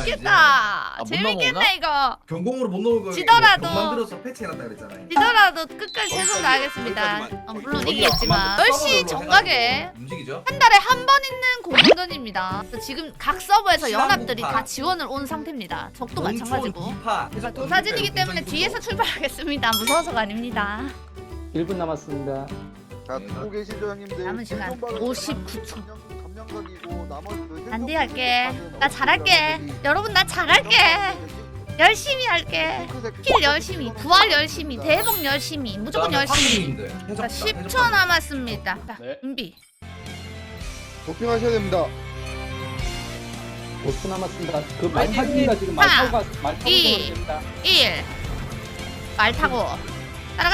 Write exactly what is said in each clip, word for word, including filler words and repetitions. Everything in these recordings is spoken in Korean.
재밌겠다. 아, 못 재밌겠네 넘어오나? 이거. 경공으로 못 넣은 거 지더라도. 만들어서 패치해놨다 그랬잖아요. 지더라도 끝까지 최선 다하겠습니다. 어, 물론 어디야? 이기겠지만 열 시 정각에 움직이죠? 한 달에 한 번 있는 공동전입니다. 지금 각 서버에서 연합들이 시간 다 지원을 온 상태입니다. 적도 마찬가지고. 파 도사진이기 때문에 뒤에서 출발하겠습니다. 무서워서가 아닙니다. 일 분 남았습니다. 자, 듣고 계시죠, 형님들? 남은 시간 생존박은 오십구 초. 감명각이고 나머지 그 안돼 할게. 나 잘할게. 여러분 나 잘할게. 열심히 할게. 킬 열심히, 부활 열심히, 대복 열심히, 무조건 열심히. 자, 십 초 남았습니다. 자, 네. 준비. 도핑하셔야 됩니다. 오 초 남았습니다. 그 말 타기가 지금 말 타고 가, 말 타고 이. 가야 됩니다. 일. 말 타고 따라가.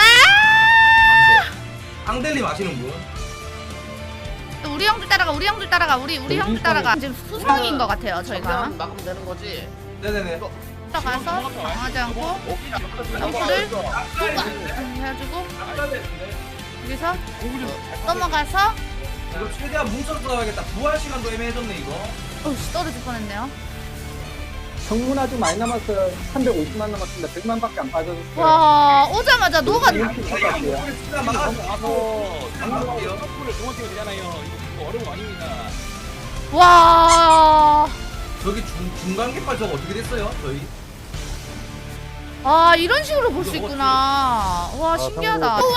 앙델님 아시는 분? 또 우리 형들 따라가. 우리 형들 따라가. 우리 우리 형들 따라가. 지금 수성인 것 같아요. 저희가 막으면 되는 거지. 네네네. 따라가서 당하지 않고 점프를 해가지고 여기서 넘어가서 이거 최대한 뭉쳐서 싸워야겠다. 부활 시간도 애매해졌네 이거. 어우씨 떨어질 뻔했네요. 성문 아주 많이 남았어요. 삼백오십만 남았습니다. 백만밖에 안 빠졌어요. 와 오자마자 녹아. 이렇게 쳤다고요. 시간 막아서 가서 막을게요. 점프를 동원 뛰면 되잖아요. 이거 어려운 거 아닙니다. 와. 저기 중, 중간 깃발 저거 어떻게 됐어요? 저희? 아 이런 식으로 볼 수 있구나. 와 신기하다. 우와.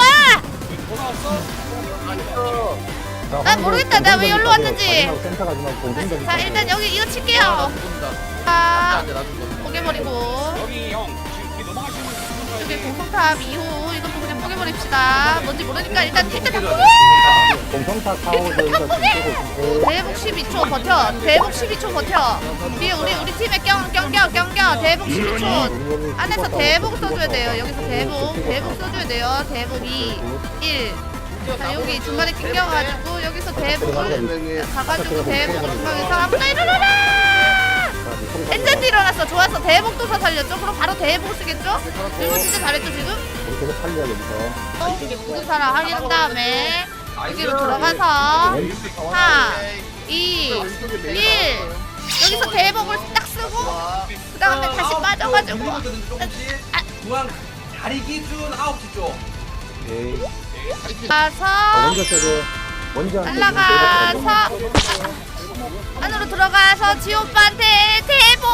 돌아왔어? 난 모르겠다. 내가 왜 여기로 왔는지. 센터 가지 말고 공중전. 자 일단 여기 이거 칠게요. 자 안돼 나도 죽었어. 포개버리고 여기 형 지금 여기 넘어가시는 분 여기 공성탑 이후 이것도 그냥 포개버립시다. 뭔지 모르니까 일단 일단 다 포개. 공성타 사오 저희가 지금 쓰고 대북 십이 초 버텨. 대북 십이 초 버텨. 뒤에 우리 우리 팀에 껴껴껴 껴껴. 대북 십이 초. 안에서 대북 써줘야 돼요. 여기서 대북 대북 써줘야 돼요. 대북 이, 일. 자 여기 중간에 낑겨가지고 여기서 대북을 가가지고 대북 중간에서 아무나 일어나라. 엔젠드 일어났어. 좋았어. 대북 도사 살렸죠. 그럼 바로 대북 쓰겠죠? 이거 진짜 잘했죠 지금? 우리 계속 살려야 됩니다. 어? 모든 사람 확인한 다음에 여기로 들어가서 사, 이, 일. 여기서 대복을 딱 쓰고 그 다음에 다시 빠져가지고 조금씩 중앙 다리 기준 아홉 시 쪽. 네. 가서 먼저 써도 먼저 날라가서 안으로 들어가서 지오빠한테 대복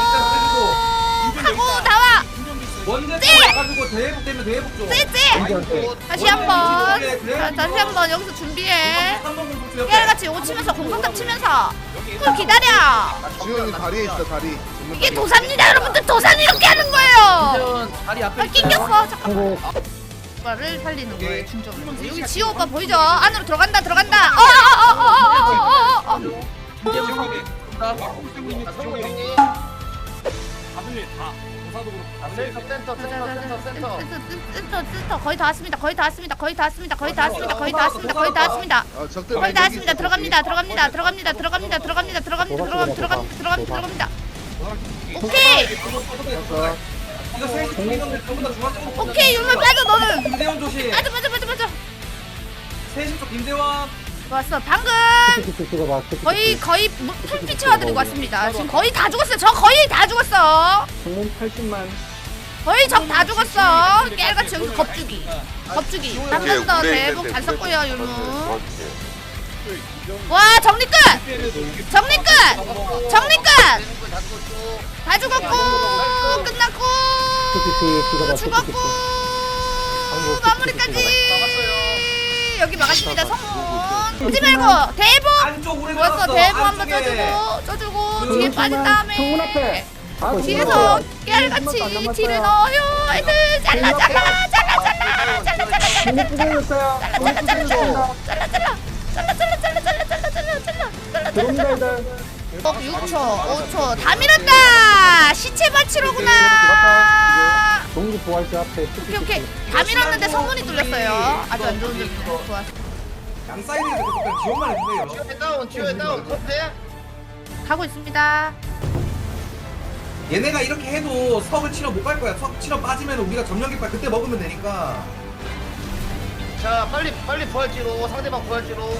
하고 나와. 먼저 네! 가지고 대북 되면 대북 쪽. 쎄쎄. 다시 한번. 자, 다시 한번 여기서 준비해. 깨알같이 요거 치면서 공성탑 치면서 그걸 기다려. 지원이 다리에 있어, 다리. 이게 도산입니다 여러분들. 도산 이렇게 하는 거예요. 지금 다리 앞에 아 낑겼어. 잠깐만. 한국 오빠를 살리는 거예요 중점으로. 여기 지호 오빠 보이죠? 안으로 들어간다 들어간다. 어어어어어어어. 지옥에 나 지옥에 형님. 가슴이 다 도사도 그렇고 센터 센터 센터 센터 센터. 센터 센터 거의 다 왔습니다. 거의 다 왔습니다. 거의 다 왔습니다. 거의 다 왔습니다. 거의 다 왔습니다. 거의 다 왔습니다. 아, 적들 거의 다 왔습니다. 들어갑니다. 들어갑니다. 들어갑니다. 들어갑니다. 들어갑니다. 들어갑니다. 들어갑니다. 들어갑니다. 들어갑니다. 들어갑니다. 오케이. 이거 셋이 중이던데 전부 다 중앙 쪽. 오케이 율물 빠져 너는. 김대원 조심. 빠져 빠져 빠져 빠져. 셋이 쪽 김대원. 좋았어. 방금 티켓 찍어봐. 거의 거의 풀피 채워드리고 왔습니다. 지금 거의 다 죽었어요. 저 거의 다 죽었어. 성문 팔십만. 거의 적 다 죽었어. 깨알같이 여기서 겁주기. 겁주기. 한 번 더 대복 잘 썼고요 율무. 와 정리 끝. 정리 끝. 정리 끝. 다 죽었고 끝났고 죽었고 마무리까지. 여기 막았습니다. 성문 오지 말고 대복. 안쪽 우리 좋았어. 대복 한번 쳐주고 쳐주고 뒤에 빠진 다음에 성문 앞에. 아, 뒤에서 깨알같이 뒤를 넣어요. 애들 잘라 잘라 잘라 잘라 잘라 잘라 잘라 공이 부서졌어요. 공이 부서졌습니다. 잘라 잘라 잘라 잘라 잘라 잘라 잘라 잘라 잘라 들어옵니다 애들. 어 육 초 오 초 다 밀었다. 시체 바치로구나. 동기 부활자 앞에. 오케이 오케이 다 밀었는데 성문이 뚫렸어요. 아주 안 좋은 점이네. 좋았어. 양 사이드에서 계속 지원만 해주세요. 지옥에 다운 지옥에 다운 컷해. 가고 있습니다. 얘네가 이렇게 해도 석을 치러 못 갈 거야. 석 치러 빠지면 우리가 점령 깃발 그때 먹으면 되니까. 자 빨리 빨리 부활지로 상대방 부활지로.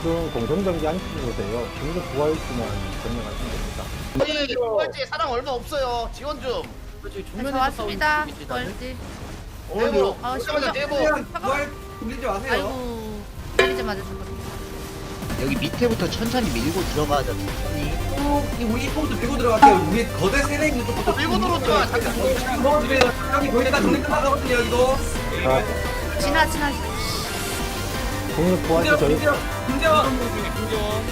집중 공정 경기 안 치셔도 돼요. 중국 부활지만 점령하시면 됩니다. 아니 부활지 사람 얼마 없어요. 지원 좀. 네, 저 왔습니다. 부활지. 대보. 아, 오자마자 심장. 대보. 최대한 부활 돌리지 마세요. 아이고. 때리지 맞아 죽었네. 여기 밑에부터 천천히 밀고 들어가자. 천천히. 이 우리 포부터 밀고 들어갈게요. 우리 거대 세대 있는 쪽부터 밀고 들어오자. 잠깐. 먹어주세요. 여기 거의 다 정리 끝나가거든요. 여기도. 자, 지나 지나. 중국 부활지 김재원, 저희 김재원, 김재원. 김정 김정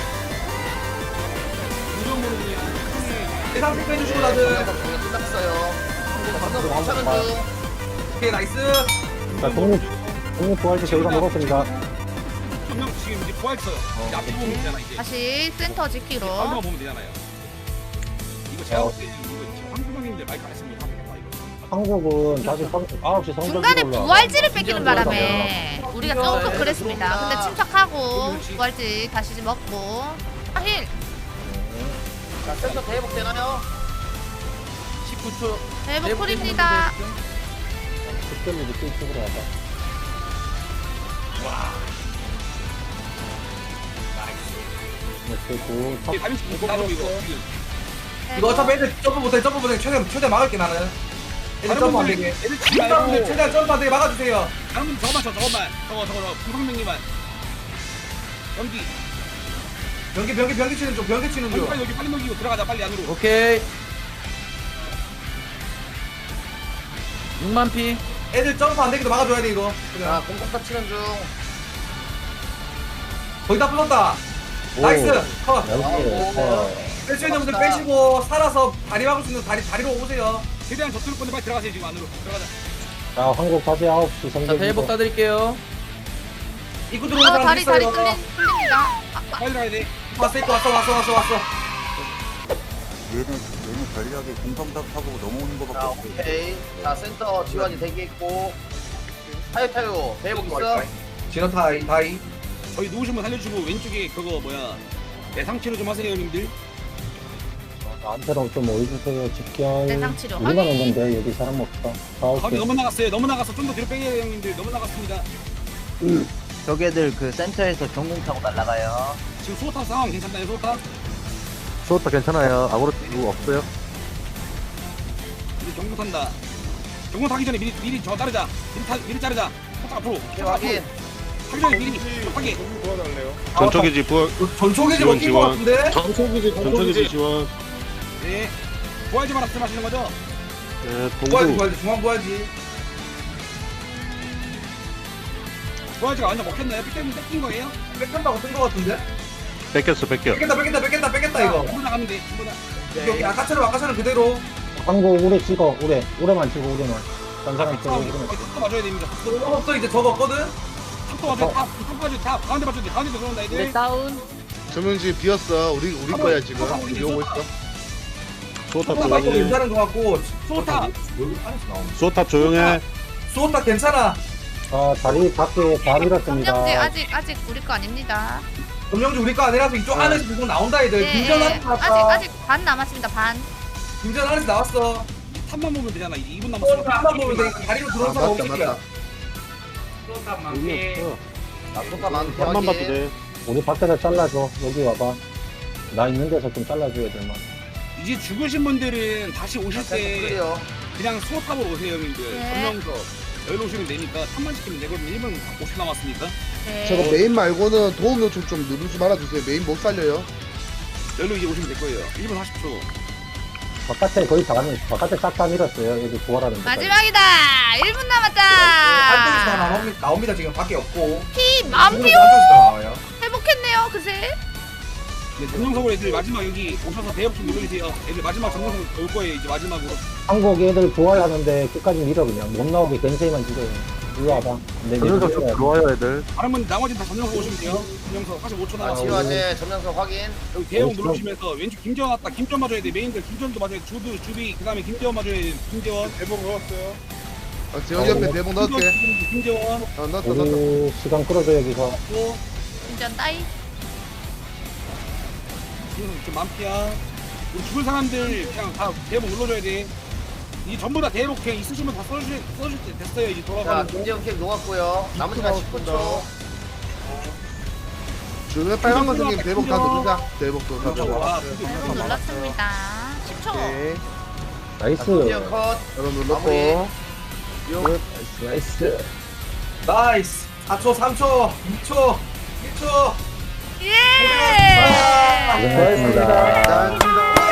김정 모르냐 대상 체크 해주시고 다들. 정령 끝났어요. 방금 괜찮은 중. 오케이 나이스. 자, 중국 중국 부활지 저희가 먹었습니다. 전명 지금 이제 부활했어요. 이제 앞에 보면 되잖아 이제. 다시 센터 지키로. 앞에만 보면 되잖아요. 이거 제가 볼 때는 이거 지금 황금형님들 마이크 안 했으면 하겠다 이거. 한국은 다시 아홉 시 성적으로 중간에 올라와. 부활지를 뺏기는 바람에 우리가 조금 그랬습니다. 근데 침착하고 부활지 다시 먹고. 아, 힐. 자 센터 대복 되나요? 십구 초. 대복 쿨입니다. 그때는 이제 이쪽으로 와봐. 네, 그리고 이게 다빈치 못 가지고 이거 지금. 이거 어차피 애들 점프 못해. 점프 못해. 최대한 최대한 막을게 나는. 애들 다른 점프 안 분들 되게. 애들 치지 팀장분들 말고 최대한 점프 안 되게 막아주세요. 다른 분 저거만 쳐 저거만 저거 저거 저거 부상명님만 연기 변기 변기 변기 치는 중. 변기 치는 중. 빨리 여기 빨리 넘기고 들어가자 빨리 안으로. 오케이. 육만 피. 애들 점프 안 되게도 막아줘야 돼 이거. 자 그냥. 공격타 치는 중. 거의 다 풀었다. 오. 나이스. 컷. 여기 어, 뺄 수 있는 분들 빼시고 살아서 다리 막을 수 있는 다리 다리로 오세요. 최대한 저쪽을 건데 빨리 들어가세요 지금 안으로 들어가자. 자, 한국 다시 아홉 시 자, 성적. 대복 따드릴게요. 입구 들어오는 어, 사람 다리 다리 있어요. 뚫린 뚫립니다. 빨리 들어가야 돼. 왔어 입구 왔어 왔어 왔어 왔어. 얘는 얘는 전략에 공성탑 타고 넘어오는 거밖에 자 없어. 오케이. 자 센터 지원이 대기했고. 타요 타요. 대복 있어. 진호 타이 다이. 저희 누우신 분 살려주고 왼쪽에 그거 뭐야 예상 치료 좀 하세요 형님들. 나한테로 좀 오해주세요. 집결. 대상 치료 우리만 확인. 온 건데 여기 사람 없어. 아홉 거기 시. 너무 나갔어요. 너무 나갔어. 좀 더 뒤로 빼요 형님들. 너무 나갔습니다. 저게들 그 센터에서 전공 타고 날아가요. 지금 소타 상황 괜찮나요 소타? 수호타 괜찮아요. 아무로 누구 없어요? 이제 경고 탄다. 경고 타기 전에 미리 미리 저 자르자. 미리 타 미리 자르자. 살짝 앞으로. 오케이 살짝 앞으로. 확인. 타기 전에 미리 하게. 전초기지 부활 전초기지 지원, 먹힌 거 지원. 같은데? 전초기지 전초기지 지원 네. 부활지 말씀하시는 거죠? 네, 부활지 동부 부활지 중앙 부활지. 부활지가 완전 먹혔나요? 삐 때문에 뺏긴 거예요? 뺏긴다고 뜬거 같은데? 뺏겼어 뺏겨 뺏겠다 뺏겠다 뺏겠다 뺏겠다 이거. 전부 나가면 돼. 전부 다. 여기 아까처럼 아까처럼 그대로. 한국 우레 찍어. 우레. 우레만 찍어. 우레만. 딴 사람 찍어. 우레만. 탑도 맞아야 됩니다. 저거 없어 이제 저거 없거든? 탑도 맞아야 돼. 탑. 탑 맞아야 돼. 탑. 가운데 맞아야 돼. 가운데 들어온다 네, 애들. 다운. 조명지 비었어. 우리 우리 거야 지금. 우리 오고 있어. 수호탑 수호타 조용해 괜찮은 거 같고. 소타. 여기 안에서 나오네. 수호탑 조용해 수호타 괜찮아. 아, 다리 밖에 다 밀었습니다. 점령지 아직 아직 우리 거 아닙니다. 점령지 우리 거 아니라서 이쪽 안에서 계속 나온다 애들. 예, 김전 예. 안에서 아직 나왔다. 아직 반 남았습니다. 반. 김전 안에서 나왔어. 탑만 보면 되잖아. 이제 이 분 남았어. 한번 보면 되니까 다리로 들어온 아, 사람 맞다, 없을게요. 맞다. 의미 없어 자 소타 많은 한만 봐도 돼 우리 밖에서 잘라줘. 여기 와봐. 나 있는 데서 좀 잘라줘야 될 만. 이제 죽으신 분들은 다시 오실 센터 때 클리어. 그냥 수호탑으로 오세요 형님들. 네. 전명서 여기로 오시면 되니까 탑만 시키면 되거든요. 일 분 오십 남았으니까. 저거 네. 메인 말고는 도움 요청 좀 누르지 말아주세요. 메인 못 살려요. 여기로 이제 오시면 될 거예요. 일 분 사십 초. 바깥에 거의 다 가면 바깥에 싹 다 밀었어요. 여기 부활하는 데까지. 마지막이다. 일 분 안쪽에서 다 남았다. 나옵니다, 나옵니다 지금 밖에 없고. 피 만피오 안쪽에서 다 나와요. 회복했네요. 그새. 네, 전명석으로 애들 마지막 여기 오셔서 대역 좀 눌러주세요. 애들 마지막 전명석 올 거예요. 이제 마지막으로. 한국 애들 부활하는데 끝까지 밀어 그냥. 못 나오게 겐세이만 찍어요. 이리 와봐. 내 전면석 좀 들어와요 애들. 다른 분 나머지는 다 전명석 오시면 돼요. 전명석 사십오 초 자 남았어요. 지원제 점령석 확인. 여기 대형 어딨어? 누르시면서 왼쪽 김재원 왔다. 김재원 맞아야 돼. 메인들 김재원도 맞아야 돼. 주두 주비 그다음에 김재원 맞아야 돼. 김재원. 대본 넣었어요. 아, 재원이 옆에 대본 넣을게. 김재원. 아, 넣었다 넣었다. 우리 시간 끌어줘 여기서. 또 인전 따이. 지금 좀 만피야. 우리 죽을 사람들 그냥 다 대본 눌러줘야 돼. 이 전부 다 대본 그냥 있으시면 다 써주실 써주실 때 됐어요. 이제 자 돌아가는 거. 김재훈 킥 녹았고요. 남은 시간 십구 초. 그 빨간 거 생긴 대복 다 누르자. 대복도 다 와, 대복 눌렀습니다. 십 초. 나이스. 미니언 컷. 여러분 눌렀고. 나이스. 나이스. 사 초, 삼 초, 이 초, 일 초. 예! 고생하셨습니다.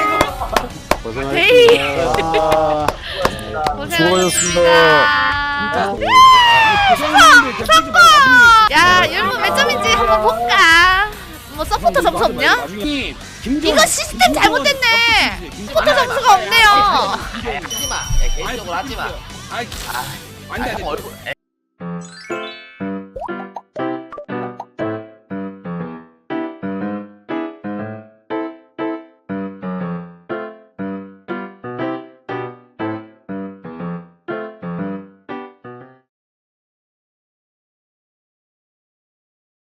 데이. 고생하셨습니다. 고생하셨습니다. 야, 여러분 몇 점인지 한번 볼까? 뭐 서포터 점수 없냐? 이거 시스템 잘못됐네. 서포터 점수가 없네요. 하지마. 개인적으로 하지마. 아이, 아니, 아니, 얼굴.